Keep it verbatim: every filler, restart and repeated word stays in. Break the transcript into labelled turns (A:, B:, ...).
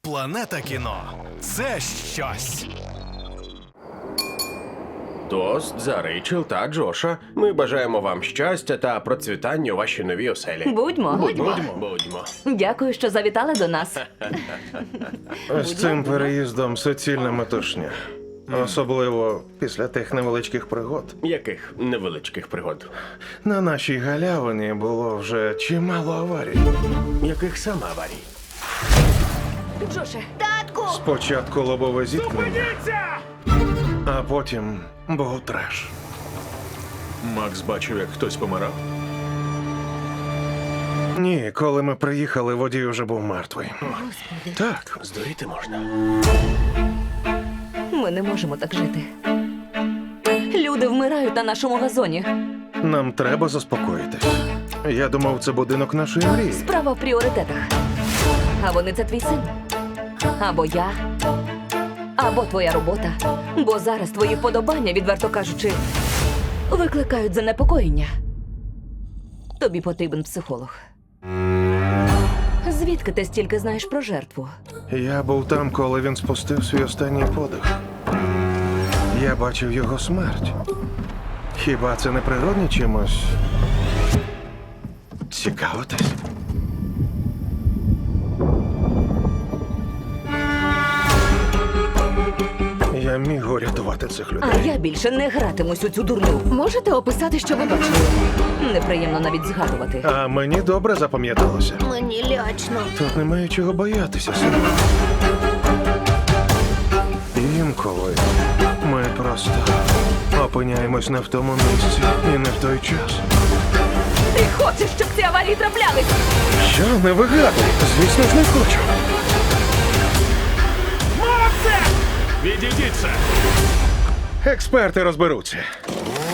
A: Планета кіно – це щось.
B: Тост за Рейчел та Джоша. Ми бажаємо вам щастя та процвітання у вашій новій оселі.
C: Будьмо.
B: Будьмо. Будьмо.
C: Дякую, що завітали до нас.
D: З цим переїздом суцільна метушня. Особливо після тих невеличких пригод.
B: Яких невеличких пригод?
D: На нашій галявині було вже чимало аварій.
B: Яких саме аварій?
C: Джоше,
D: Спочатку лобове зіткнення, а потім був треш.
E: Макс бачив, як хтось помирав.
D: Ні, коли ми приїхали, водій вже був мертвий. Так,
B: Здуріти можна.
C: ми не можемо так жити. Люди вмирають на нашому газоні.
D: нам треба заспокоїтись. Я думав, це будинок нашої мрії.
C: Справа в пріоритетах. А вони це твій син. Або я. Або твоя робота. Бо зараз твої вподобання, відверто кажучи, викликають занепокоєння. Тобі потрібен психолог. Звідки ти стільки знаєш про жертву?
D: Я був там, коли він спустив свій останній подих. Я бачив його смерть. Хіба це не природні чимось? Цікавитись? Я міг урятувати цих
C: А
D: людей.
C: я більше не гратимусь у цю дурню.
F: Можете описати, що ви бачили?
C: Неприємно навіть згадувати.
D: А мені добре запам'яталося.
F: Мені лячно.
D: Тут немає чого боятися, сину. Інколи ми просто опиняємось не в тому місці і не в той час.
C: Ти хочеш, щоб ці аварії траплялись?
D: Що, не вигадуй? Звісно ж, не хочу.
E: Відійдіться!
D: Експерти розберуться.